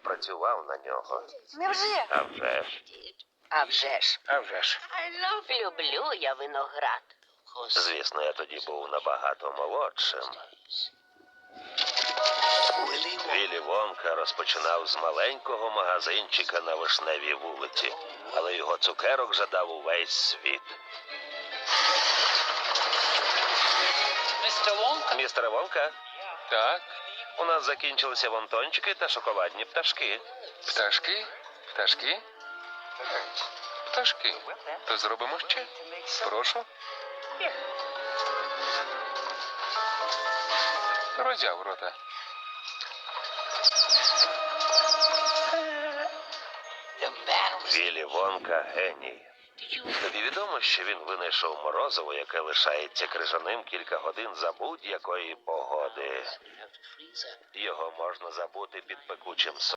працював на нього. Невже? А вже ж. А вже ж. А вже ж. Люблю я виноград. Звісно, я тоді був набагато молодшим. Віллі Вонка розпочинав з маленького магазинчика на Вишневій вулиці, але його цукерок жадав увесь світ. Містере Вонка, Так, у нас закінчилися вонтончики та шоколадні пташки. пташки? Пташки? Пташки. То зробимо ще? Прошу. Роззяв рота. Віллі Вонка – геній. Тобі відомо, що він винайшов морозиво, яке лишається крижаним кілька годин за будь-якої погоди. Його можна забути під пекучим сонцем.